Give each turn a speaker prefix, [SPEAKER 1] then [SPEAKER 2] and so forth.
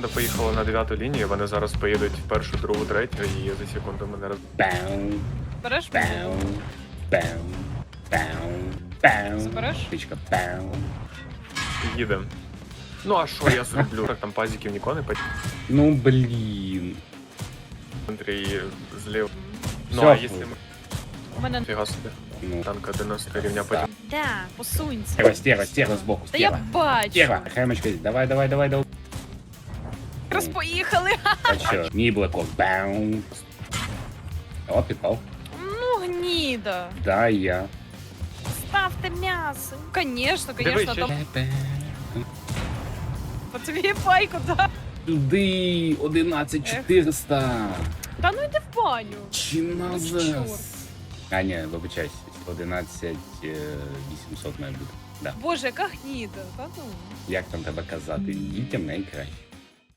[SPEAKER 1] команда поїхала на 9-ту лінію, вони зараз поїдуть в першу, другу, третю і за секунду мене роз...
[SPEAKER 2] Бау,
[SPEAKER 3] Береш
[SPEAKER 2] бау, бау, бау, бау.
[SPEAKER 3] Збереш?
[SPEAKER 2] Птичка, бау.
[SPEAKER 1] Їдем. Ну а що я зроблю? Так там пазиків ніколи не по
[SPEAKER 2] Ну, блін.
[SPEAKER 1] центрі і злів. Ну
[SPEAKER 2] Всё.
[SPEAKER 1] а якщо ми...
[SPEAKER 3] У мене...
[SPEAKER 1] Фіга собі.
[SPEAKER 2] Ну,
[SPEAKER 1] Танка 90 рівня потім.
[SPEAKER 3] Да, посунься.
[SPEAKER 2] стерва збоку,
[SPEAKER 3] Та я
[SPEAKER 2] стерва.
[SPEAKER 3] бачу.
[SPEAKER 2] Стерва, хаймочка, давай, давай, давай, давай.
[SPEAKER 3] Якраз поїхали.
[SPEAKER 2] А що? Мій Блекок, бау. О, підпав.
[SPEAKER 3] Ну, гніда.
[SPEAKER 2] Да, я.
[SPEAKER 3] Ставте м'ясо. Конечно,
[SPEAKER 1] Дивись,
[SPEAKER 3] конечно,
[SPEAKER 1] ще-
[SPEAKER 3] там по тобі пайку, да.
[SPEAKER 2] Туди 11400.
[SPEAKER 3] Та ну йди в баню.
[SPEAKER 2] Чиназес. А, ні, вибачайся. 11800 має бути. Да.
[SPEAKER 3] Боже, яка гніда. Та ну.
[SPEAKER 2] Як там тебе казати? Дітям найкраще.